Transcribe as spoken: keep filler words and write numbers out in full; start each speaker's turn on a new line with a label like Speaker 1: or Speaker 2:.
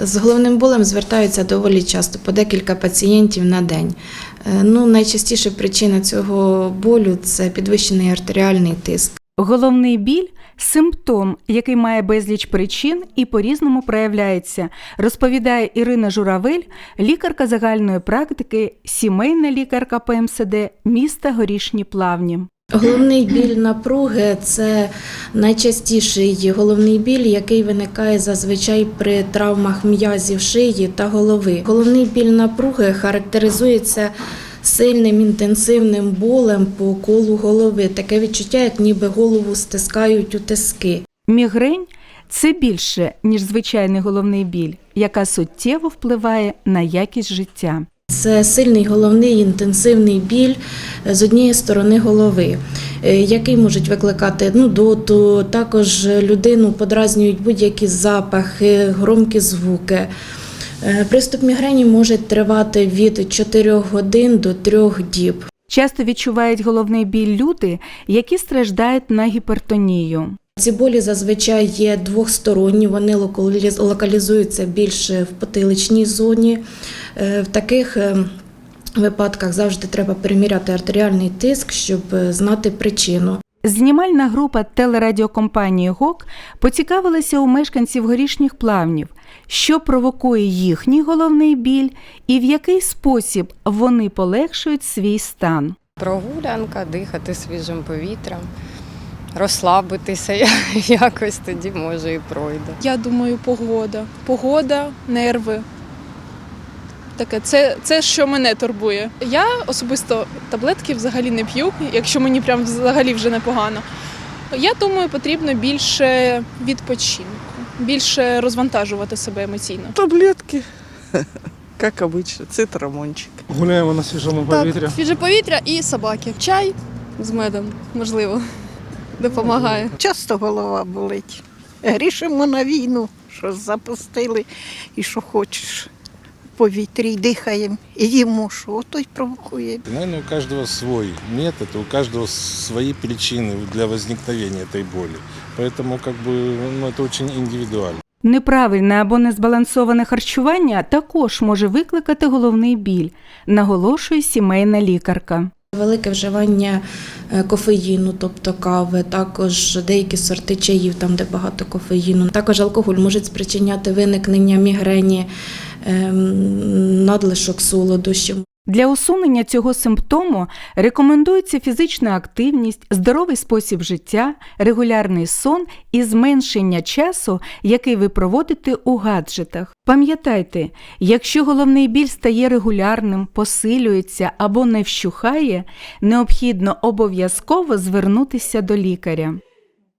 Speaker 1: З головним болем звертаються доволі часто, по декілька пацієнтів на день. Ну, найчастіша причина цього болю – це підвищений артеріальний тиск.
Speaker 2: Головний біль – симптом, який має безліч причин і по-різному проявляється, розповідає Ірина Журавель, лікарка загальної практики, сімейна лікарка Пе Ем Се Де міста Горішні Плавні.
Speaker 1: Головний біль напруги – це найчастіший головний біль, який виникає зазвичай при травмах м'язів шиї та голови. Головний біль напруги характеризується сильним інтенсивним болем по колу голови. Таке відчуття, як ніби голову стискають у тиски.
Speaker 2: Мігрень – це більше, ніж звичайний головний біль, яка суттєво впливає на якість життя.
Speaker 1: Це сильний головний інтенсивний біль з однієї сторони голови, який можуть викликати нудоту, також людину подразнюють будь-які запахи, громкі звуки. Приступ мігрені може тривати від чотирьох годин до трьох діб.
Speaker 2: Часто відчувають головний біль люди, які страждають на гіпертонію.
Speaker 1: Ці болі зазвичай є двосторонні, вони локалізуються більше в потиличній зоні. В таких випадках завжди треба переміряти артеріальний тиск, щоб знати причину.
Speaker 2: Знімальна група телерадіокомпанії ГОК поцікавилася у мешканців Горішніх Плавнів, що провокує їхній головний біль і в який спосіб вони полегшують свій стан.
Speaker 3: Прогулянка, дихати свіжим повітрям, розслабитися якось, тоді може і пройде.
Speaker 4: Я думаю, погода. Погода, нерви. Таке, це, це, що мене турбує. Я особисто таблетки взагалі не п'ю, якщо мені прям взагалі вже непогано. Я думаю, потрібно більше відпочинку, більше розвантажувати себе емоційно.
Speaker 5: Таблетки, як обычно, цитрамончик.
Speaker 6: Гуляємо на свіжому повітрі.
Speaker 7: Так, свіже повітря і собаки. Чай з медом, можливо, допомагає.
Speaker 8: Часто голова болить. Грішимо на війну, що запустили і що хочеш. Повітрі й дихаємо, і їмо, що ото й провокує.
Speaker 9: Наверное, у каждого свой метод, у каждого свои причины для возникновения этой боли. Поэтому как бы, ну, это очень индивидуально.
Speaker 2: Неправильне або незбалансоване харчування також може викликати головний біль, наголошує сімейна лікарка.
Speaker 1: Велике вживання кофеїну, тобто кави, також деякі сорти чаїв, там де багато кофеїну. Також алкоголь може спричиняти виникнення мігрені, надлишок солодощів.
Speaker 2: Для усунення цього симптому рекомендується фізична активність, здоровий спосіб життя, регулярний сон і зменшення часу, який ви проводите у гаджетах. Пам'ятайте, якщо головний біль стає регулярним, посилюється або не вщухає, необхідно обов'язково звернутися до лікаря.